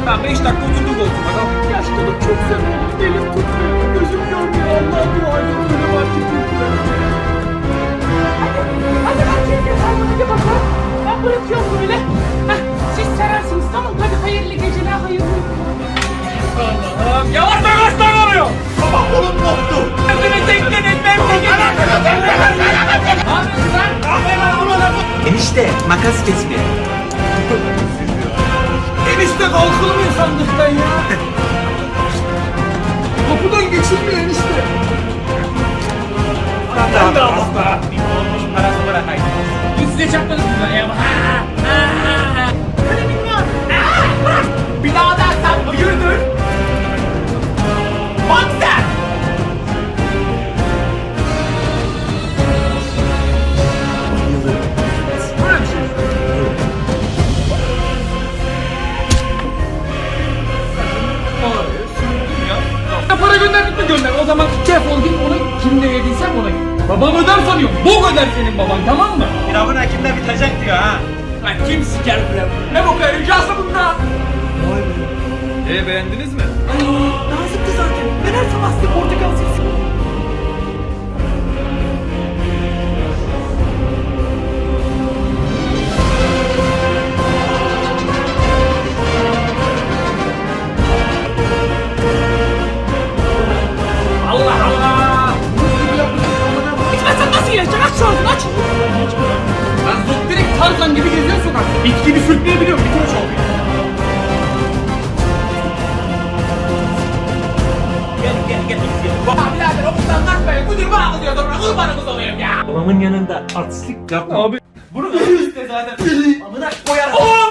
Hemen 5 dakika oturdum koltuğuma. Tamam. Yaşlılık çok seviyor. Elim tutmuyor. Gözüm görmüyor. Allah'a dua edin. Böyle var ki Hadi ben kendime hadi bakalım. Ben bırakıyorum böyle. Heh, siz serersiniz tamam. Hadi hayırlı geceler, hayırlı uykular. Allah'ım yavaş yavaş davranıyor. Baba kolum koptu. Kendini teklenin ben bir gece. Ne yapıyorsun sen? Enişte makas kesme. Enişte kalkılmıyor sandıktan ya. Kapıdan geçilmiyor enişte. Ben de aldım. Parası bırakayım. Biz size çarpmadınız mı ya? Öyle bilmiyorum. Bir daha dersen hayırdır? Bak sen! Böyle bir şey. Ya para gönderdik mi gönder. O zaman defol git onu kimde yediysem ona git. Babam öder sanıyorum. Bok öder senin baban tamam mı? Pilavın hakimde bitecek diyor ha. Lan kim siker pilav? Ne bok arayacağız bunda? Beğendiniz mi? Ay nazikti zaten. Ben her sabah size portakal sesi. Allah Allah! İçmezsen nasıl yiyeceksin? Aç şu ağzını aç. Ben zoptirik Tarzan gibi geziyorum sokakta. İt gibi sürtmeyebiliyorum. Bir kere çalıyor. Gel. Ya birader okuldan kalkmayın. Müdür bana kızıyor. Sonra kurbanımız olayım ya. Babamın yanında artistlik yapma. Abi. Bunu da işte zaten. Amına koyarım.